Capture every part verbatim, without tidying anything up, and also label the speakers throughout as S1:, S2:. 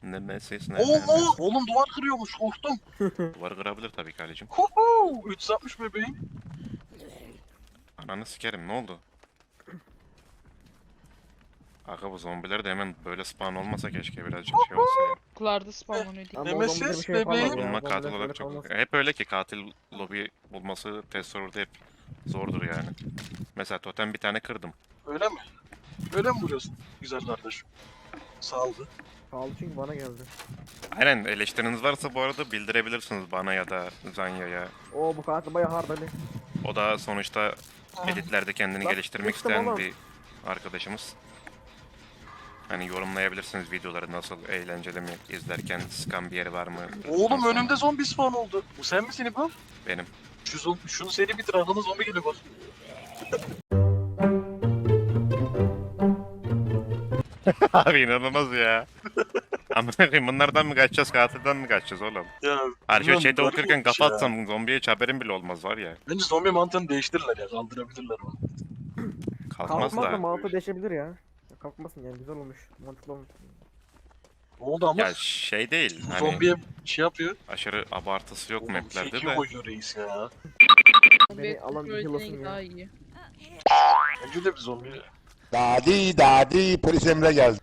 S1: Nemesis ne
S2: Oo,
S1: nemesis.
S2: oğlum duvar kırıyormuş, korktum.
S1: Duvarı kırabilir tabii ki Ali'cim.
S2: Huhu, üç yüz altmış bebeğim.
S1: Ananı sikerim, ne oldu? Aga bu zombiler de hemen böyle spawn olmasa keşke, birazcık şey olsa ya.
S3: Okullarda spawnlanıyor diye.
S4: Ama o zombiler bir
S2: Nemesis
S4: şey yapamaz
S2: bebeğim.
S4: ya.
S1: Bulma
S4: Zombiler
S1: katil
S4: böyle
S1: olarak çok...
S4: kalmaz.
S1: Hep öyle ki katil lobi bulması test server'da hep zordur yani. Mesela totem bir tane kırdım.
S2: Öyle mi? Öyle mi vuruyorsun güzel kardeşim? Saldı.
S4: Pahalı çünkü bana geldi.
S1: Aynen, eleştiriniz varsa bu arada bildirebilirsiniz bana ya da Zanya'ya.
S4: Oo bu katil bayağı hard Ali.
S1: O da sonuçta editlerde kendini
S4: Bak,
S1: geliştirmek
S4: geçtim
S1: isteyen
S4: oğlum.
S1: bir arkadaşımız. Hani yorumlayabilirsiniz videoları nasıl, eğlenceli mi, izlerken sıkan bir yeri var mı?
S2: Oğlum
S1: Nasıl?
S2: önümde zombi spawn oldu. Bu sen misin İbo?
S1: Benim.
S2: Şu zom şunu seri bitir, arkadan zombi geliyor bak.
S1: Abi inanılmaz ya. Amına koyayım, bunlardan mı kaçacağız, katilden mi kaçacağız oğlum?
S2: Ya.
S1: Harika
S2: bilmiyorum,
S1: şeyde
S2: garip
S1: okurken
S2: olmuş
S1: kafa
S2: ya.
S1: atsam zombiye hiç haberim bile olmaz var ya.
S2: Bence zombi mantığını değiştirirler ya, kaldırabilirler onu.
S1: Kalkmaz
S4: Kalkmaz da
S1: da.
S4: mantığı değişebilir ya. Ya kalkmasın yani, güzel olmuş. Mantıklı olmuş.
S2: Ne oldu ama?
S1: Ya şey değil,
S2: Bu
S1: hani
S2: zombiye şey yapıyor.
S1: aşırı abartısı yok
S2: Oğlum
S1: maplerde
S2: sekiyor
S1: de.
S2: koyuyor reis ya.
S4: Beni alan bir yılasın ya.
S3: daha iyi.
S2: Bence de bir zombi.
S5: Dadi dadi polis emre geldi.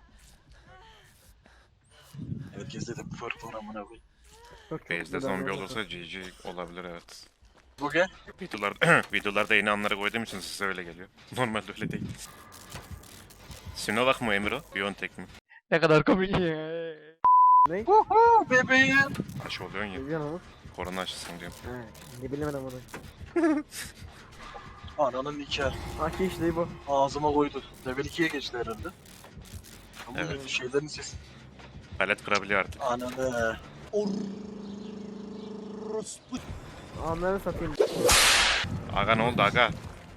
S2: Herkeste de bu fark var amına koyayım.
S4: Çok çok
S1: Base'de
S4: güzel
S1: zombi
S4: olmuş.
S1: olursa G G olabilir, evet.
S2: Bu gel.
S1: Videolarda, videolarda yeni anları koyduğum için size öyle geliyor. Normalde öyle değil. Sinovac mı Emiro? Biontech mi?
S4: Ne kadar komik ya. Ne?
S2: Huhu bebeğim.
S1: Aşı oluyorsun ya.
S4: Ne diyorsun oğlum?
S1: Korona aşısın diyorum.
S4: He, ne bilemedim onu.
S2: Ananın nikahı.
S4: Aki işte bu.
S2: Ağzıma koydu. Level ikiye geçti herhalde. Ama
S1: Evet.
S2: şeylerin sesi.
S1: Palet kırabiliyor artık.
S2: Ananı.
S4: Anları satayım.
S1: Aga ne oldu aga?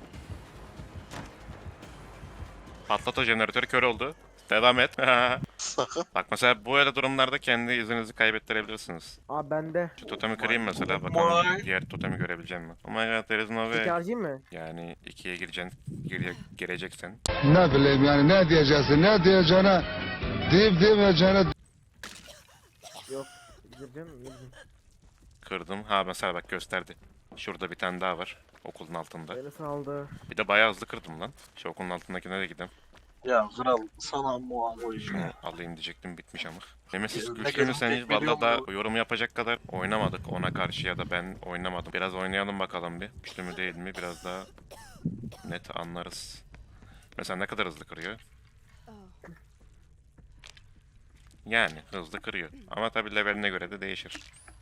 S1: Patlat o jeneratörü, kör oldu. Devam et.
S2: Sakın.
S1: Bak mesela böyle durumlarda kendi izinizi kaybettirebilirsiniz.
S4: Aa bende.
S1: Şu totemi kırayım mesela,
S2: Vay.
S1: bakalım diğer totemi görebileceğim mi? Oh my god, there is no
S4: İki
S1: way.
S4: harcayayım mı?
S1: Yani ikiye gireceksin, gire, gireceksen.
S5: Ne bileyim yani ne diyeceksin ne diyeceğine deyip demeyeceğine
S4: Yok. Gireceğim mi? Gireceğim.
S1: Kırdım. Ha mesela bak gösterdi. Şurada bir tane daha var. Okulun altında.
S4: Beni saldı.
S1: Bir de bayağı hızlı kırdım lan. Şu okulun altındakine de gideyim.
S2: Ya kral sana muha
S1: Şunu
S2: koyayım.
S1: alayım diyecektim, bitmiş ama. Nemesis
S2: Eline
S1: güçlü mü
S2: gelin
S1: sen hiç?
S2: tek veriyor
S1: Valla da
S2: mu?
S1: yorum yapacak kadar oynamadık ona karşı, ya da ben oynamadım. Biraz oynayalım bakalım bir. Güçlü mü değil mi? Biraz daha net anlarız. Mesela ne kadar hızlı kırıyor? Yani hızlı kırıyor. Ama tabii leveline göre de değişir.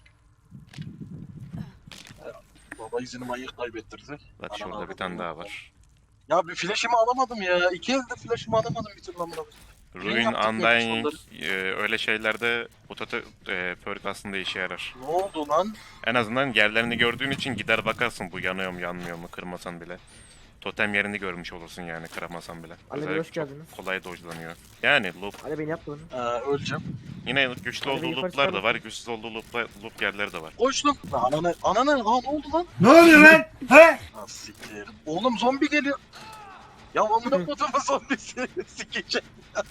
S2: Baba izini manyak kaybettirdi.
S1: Bak
S2: Ana
S1: şurada bir
S2: avradım
S1: tane
S2: ya.
S1: daha var.
S2: Ya bir flash'ımı alamadım ya. İki elde flash'ımı alamadım bir türlü amına koyayım.
S1: Ruin,
S2: yaptık
S1: Undying,
S2: yapmış
S1: e, öyle şeylerde bu tatı e, perk aslında işe yarar.
S2: Ne oldu lan?
S1: En azından yerlerini gördüğün için gider bakarsın bu yanıyor mu yanmıyor mu, kırmasan bile. Totem yerini görmüş olursun yani, kıramasan bile.
S4: Ali Bey,
S1: Özellikle
S4: hoş
S1: çok
S4: geldiniz.
S1: kolay dodge'lanıyor. Yani loop,
S4: Ali beni yaptı bunu.
S2: Ee, öleceğim.
S1: yine güçlü
S4: Ali Bey,
S1: olduğu
S4: yukarı
S1: loop'lar da
S4: çıkalım.
S1: var, güçsüz olduğu loop'lar, loop yerleri de var.
S2: Koştum. Ananı, ananı, aa ne oldu lan?
S5: Ne oluyor lan? He?
S2: Ha siktir. Oğlum zombi geliyor. Ya amına kodumu zombisi sikeceğim.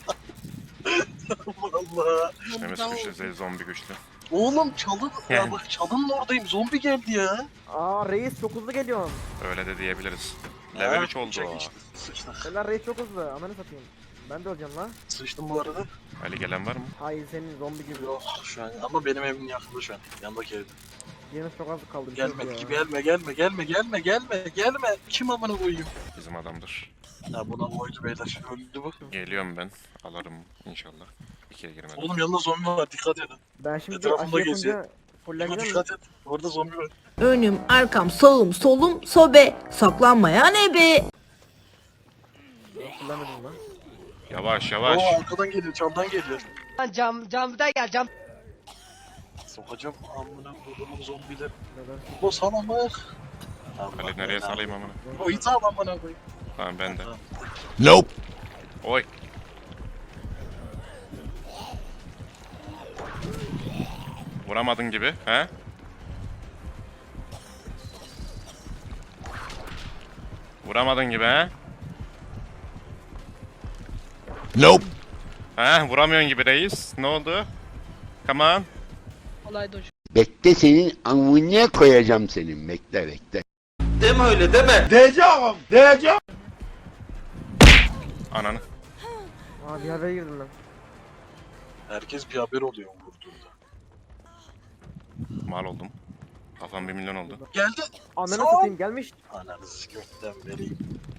S2: Allah Allah.
S1: Nemesis güçlü, zombi güçlü.
S2: Oğlum çalın. Ya
S1: Yani.
S2: bak çalının oradayım. Zombi geldi ya.
S4: Aa reis çok hızlı geliyorsun.
S1: Öyle de diyebiliriz. Level
S2: Ha,
S1: üç oldu
S2: çek
S1: o.
S2: işte. Sıçtık.
S4: Seller reis çok hızlı. Ananı satayım. Ben de öleceğim lan.
S2: Sıçtım bu arada.
S1: Ali gelen var mı?
S4: Hayır senin zombi gibi.
S2: Yok şu an ama benim evim yakında şu an. Yandaki evde.
S4: Yine çok az kaldı. bir şey yok
S2: Gelme,
S4: ya.
S2: gelme, gelme, gelme, gelme, gelme, gelme. Kim amına koyayım?
S1: Bizim adamdır.
S2: Ya buna koydu beyler. Öldü bu.
S1: Geliyorum ben. Alırım inşallah. İkiye girmedim.
S2: Oğlum yanında zombi var. Dikkat edin.
S4: Ben şimdi
S2: Etrafımda
S4: aşı
S2: geziyor.
S4: yapınca
S2: Dikkat,
S4: fulleneceğim mi?
S2: dikkat et. Orada zombi var.
S6: Önüm, arkam, sağım, solum, sobe. Saklanmayan ebe.
S4: Ben fullenmedim lan.
S1: Yavaş yavaş.
S2: Oo arkadan geliyor, camdan geliyor.
S7: Cam, camda gel cam.
S2: Sokacağım amına koyduğum zombiler.
S4: Neden?
S2: Bu sana bak.
S1: Ali nereye salayım amına?
S2: O iti al amına koyayım.
S1: Tamam ben de.
S5: Nope.
S1: Oy. Vuramadın gibi, he? Vuramadın gibi, he?
S5: Nope.
S1: Ha vuramıyorsun gibi reis. Ne oldu? Come on.
S7: Olay doş.
S3: Bekle senin amına koyacağım senin. Bekle bekle.
S1: Ananı.
S4: Aa bir havaya girdim ben.
S2: Herkes bir haber oluyor vurduğunda.
S1: Mal oldum. Kafam bir milyon oldu.
S2: Geldi.
S4: Ananı
S2: Sağ ol.
S4: satayım gelmiş.
S2: Ananı gökten vereyim.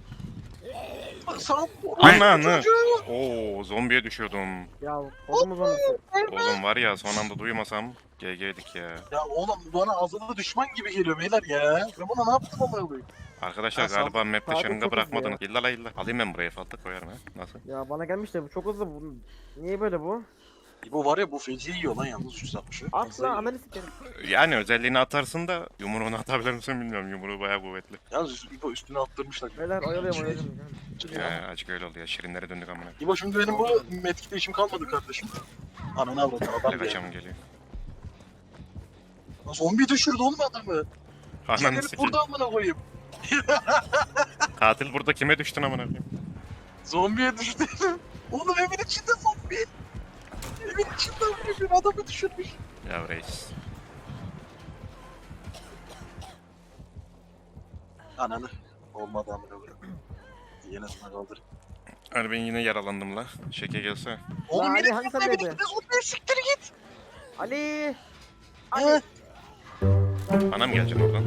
S2: Sağ
S1: Ananı. Oo zombiye düşüyordum.
S4: Ya kodumuz olmuş.
S1: Oğlum var ya son anda duymasam G G'dik ya.
S2: Ya oğlum bana azılı düşman gibi geliyor beyler ya. Ben buna ne yaptım ama koyayım?
S1: Arkadaşlar
S2: Ha, sağ-
S1: galiba map'te
S4: sağda
S1: şırınga
S4: çok
S1: bırakmadınız. İlla la illa. Alayım ben buraya falta koyarım ha. Nasıl?
S4: Ya bana gelmiş de bu çok hızlı bu. Niye böyle bu?
S2: Bu var ya bu feci yiyor lan yalnız yüz altmışı.
S4: At lan ananı sikerim.
S1: Yani özelliğini atarsın da yumruğunu atabilir misin bilmiyorum. Yumruğu bayağı kuvvetli.
S2: Yalnız İbo üstüne attırmışlar.
S4: Beyler oyalıyorum oyalıyorum.
S1: He açık öyle oldu ya. Şirinlere döndük amına.
S2: İbo şimdi benim bu metkide işim kalmadı kardeşim. Ananı avradım adam
S1: Ne
S2: geldi.
S1: kaçamın geliyor.
S2: Lan zombi düşürdü oğlum adamı.
S1: Ananı
S2: Gelip
S1: sikeyim.
S2: burada amına koyayım.
S1: Katil burada kime düştün amına koyayım?
S2: Zombiye düştü. Oğlum evin içinde zombi. Evin içinde bir adamı düşürmüş.
S1: Ya reis.
S2: Ananı. Olmadı amına koyayım. Yine sana kaldır.
S1: Hani ben yine yaralandım la. Şeke gelse.
S2: Oğlum
S4: Ali,
S2: yine
S4: hangi
S2: evin
S4: sendeydi?
S2: içinde zombiye siktir git.
S4: Ali!
S2: He.
S1: Bana mı geleceksin oradan?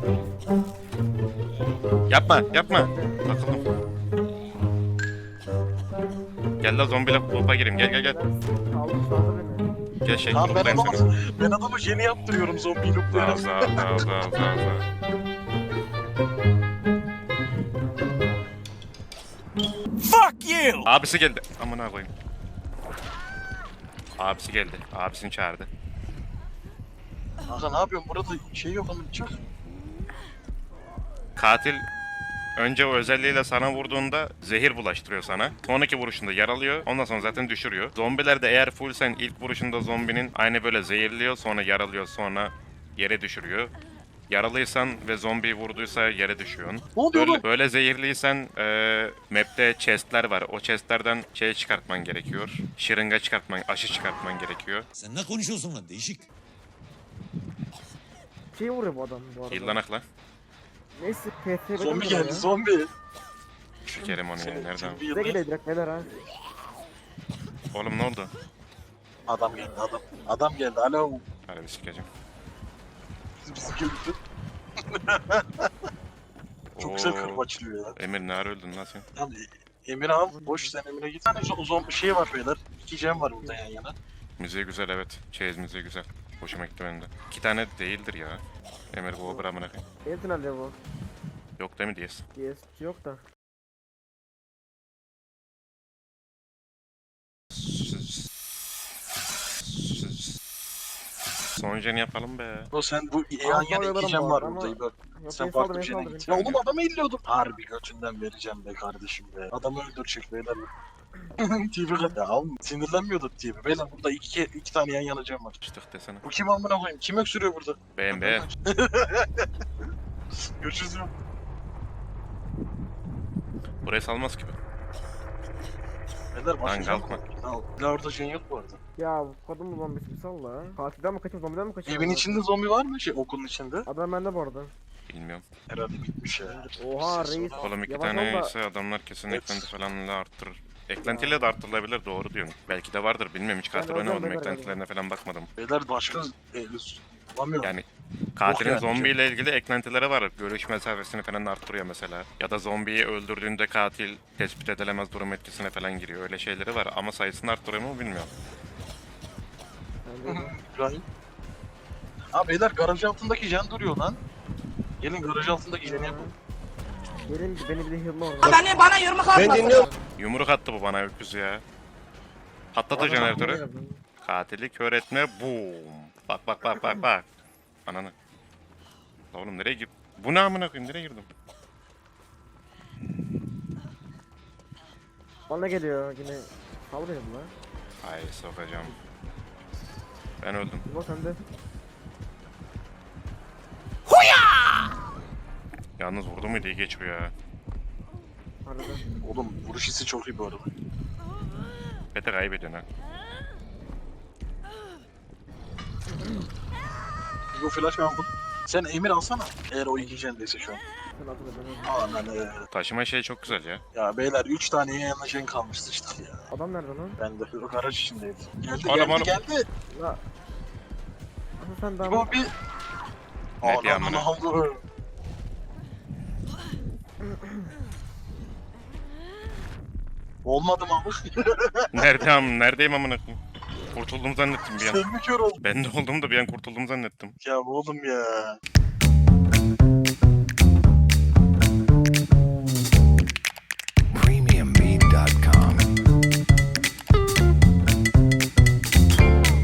S1: Yapma yapma. Takıldım. Gel la zombiyle kulübe gireyim. Gel gel gel.
S4: Kaldım sağda beni.
S1: Gel şey
S2: Tamam ben
S1: kulüpteyim
S2: adamı,
S1: seni.
S2: ben adamı yeni yaptırıyorum zombiyi
S1: Za
S2: looplayalım.
S1: za za za za za. Abisi geldi. Amına koyayım. Abisi geldi. Abisini çağırdı.
S2: Kanka ne yapıyorsun burada şey yok ama çık.
S1: Katil önce o özelliğiyle sana vurduğunda zehir bulaştırıyor sana. Sonraki vuruşunda yaralıyor. Ondan sonra zaten düşürüyor. Zombiler de eğer full sen ilk vuruşunda zombinin aynı böyle zehirliyor, sonra yaralıyor, sonra yere düşürüyor. Yaralıysan ve zombiyi vurduysa yere düşüyorsun.
S2: Ne oluyor
S1: Böyle,
S2: oğlum?
S1: böyle zehirliysen eee map'te chestler var. O chestlerden şey çıkartman gerekiyor. Şırınga çıkartman, aşı çıkartman gerekiyor.
S8: Sen ne konuşuyorsun lan değişik.
S4: Şey vuruyor bu adam bu arada.
S1: Yıllanakla.
S4: Neyse P F
S2: Zombi geldi zombi.
S1: Şekerim onu ya. Nereden?
S2: Senin
S4: Bize geliyor direkt beyler ha.
S1: Oğlum ne oldu?
S2: Adam geldi adam. Adam geldi alo.
S1: Hadi bir sikeceğim.
S2: Biz bizi gördü. Çok güzel
S1: Oo.
S2: kırbaçlıyor ya.
S1: Emir ne ara öldün lan sen?
S2: Tamam Emir al. Boş sen Emir'e git. Bir tane zo- zombi şey var beyler. İki cem var burada yan yana.
S1: Müziği güzel evet. Çeyiz müziği güzel. Hoşuma gitti benim de. İki tane değildir ya. Emir bu obra amına koyayım.
S4: Benim tünelde bu.
S1: Yok değil mi diyesin?
S4: Yes yok da.
S1: Son jeni yapalım be.
S2: O sen bu yan yana
S4: saldırırım
S2: iki cem
S4: bu
S2: var
S4: arada
S2: burada.
S4: ama-
S2: İbo.
S4: Yok
S2: Sen
S4: beni
S2: farklı
S4: saldı
S2: bir
S4: beni
S2: şeyine
S4: saldı
S2: git.
S4: beni.
S2: Ya oğlum adamı elliyordum. Harbi götünden vereceğim be kardeşim be. Adamı öldürecek beyler. T V kat ya alma. Sinirlenmiyordu T V. Beyler burada iki, iki tane yan yana cam var.
S1: Çıktık desene.
S2: Bu kim amına koyayım? Kim öksürüyor burada?
S1: Beğen beğen.
S2: Görüşürüz ya.
S1: Burayı salmaz gibi.
S2: Beyler başlayacağım.
S1: kalkma.
S2: Al. Bir orada şey yok bu arada.
S4: Ya bu kadın zombisi bir sal la. Katilden mi kaçayım zombiden mi kaçayım?
S2: Evin içinde zombi var mı? Şey okulun içinde.
S4: Adam bende bu arada.
S1: Bilmiyorum.
S2: Herhalde bitmiş ya.
S4: Oha
S2: Ses
S4: reis.
S2: olan-
S1: Oğlum iki
S4: Yavaş ol
S1: tane
S4: da-
S1: ise adamlar kesin
S2: Evet.
S1: eklenti falanla arttırır. Eklentiyle de arttırılabilir doğru diyorsun. Belki de vardır bilmiyorum hiç katil
S4: Ben
S1: oynamadım
S4: oradan ben
S1: eklentilerine falan bakmadım.
S2: Beyler başka e, bulamıyorum.
S1: Yani katilin
S2: yani.
S1: zombi ile ilgili eklentileri var. Görüş mesafesini falan arttırıyor mesela. Ya da zombiyi öldürdüğünde katil tespit edilemez durum etkisine falan giriyor. Öyle şeyleri var ama sayısını arttırıyor mu bilmiyorum.
S4: Bende de.
S2: İbrahim. Ha beyler garaj altındaki jen duruyor lan. Gelin garaj altındaki jeni yapalım.
S4: Gelin beni bir de hırla orada.
S1: Yumruk attı bu bana öküz ya. Patladı jeneratörü. Katili kör etme boom. Bak bak bak bak bak. Ananı. La oğlum nereye gir? Bu ne amına koyayım nereye girdim?
S4: Bana geliyor yine. Sal beni bu la.
S1: Ay sokacağım. Ben öldüm.
S4: Bu sende.
S1: Yalnız vurdu muydu iyi geçiyor ya.
S4: Harbiden.
S2: Oğlum vuruş hissi çok iyi bu arada.
S1: muhabbeti kaybediyorsun ha.
S2: Bu flash aldım. Sen Emir alsana. Eğer o iki jendeyse şu an.
S4: Sen atın da ben
S2: Aman ee.
S1: Taşıma şey çok güzel ya.
S2: Ya beyler üç tane yan yana jen kalmıştı işte ya.
S4: Adam nerede lan?
S2: Ben de yok araç içindeydi. Geldi
S1: Oğlum,
S2: geldi
S1: oğlum.
S2: geldi.
S4: La. Asıl sen daha
S2: Bu bir...
S1: Ne diyor
S2: Ananı
S1: amına?
S2: aldı. Olmadı mı abi?
S1: Nerede am neredeyim amına koyayım? Kurtuldum zannettim bir an.
S2: Sen mi kör oldun?
S1: Ben de oldum da bir an kurtuldum zannettim.
S2: Ya oğlum ya.